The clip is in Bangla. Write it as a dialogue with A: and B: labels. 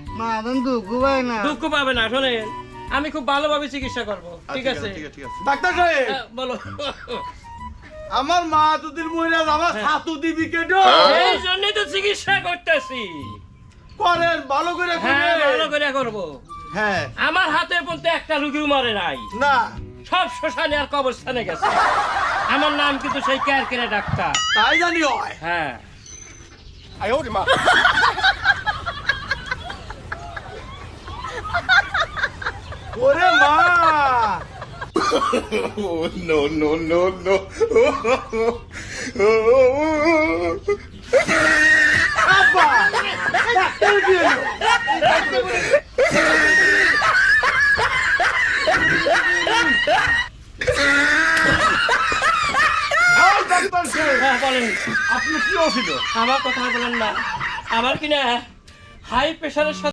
A: মা এখন দুঃখ পায় না।
B: দুঃখ পাবে না, শোনেন আমি খুব ভালোভাবে চিকিৎসা করব, ঠিক আছে?
C: ডাক্তার সাহেব
B: বলো।
C: আমার মা দুদিন মহিলা আমার ছাতু দিবি কেটো
B: এই জন্যই তো চিকিৎসা করতেছি।
C: করেন ভালো করে
B: হ্যাঁ
C: করেন।
B: ভালো করে করবো।
C: হ্যাঁ
B: আমার হাতে পর্যন্ত একটা রুগীও মরে নাই,
C: না
B: সব শ্মশানে আর কবরস্থানে গেছে। আমার নাম কিন্তু সেই কেয়ারকেরা ডাক্তার।
C: তাই জানি হয়
B: হ্যাঁ
C: ওরে মা আব্বা ডাক্তার কি হলো? এই ডাক্তার সাহেব,
B: হ্যাঁ বলেন।
C: আপনি কি হয়েছিল?
B: আমার কথা বলেন না, আমার কিনা হাই প্রেশারের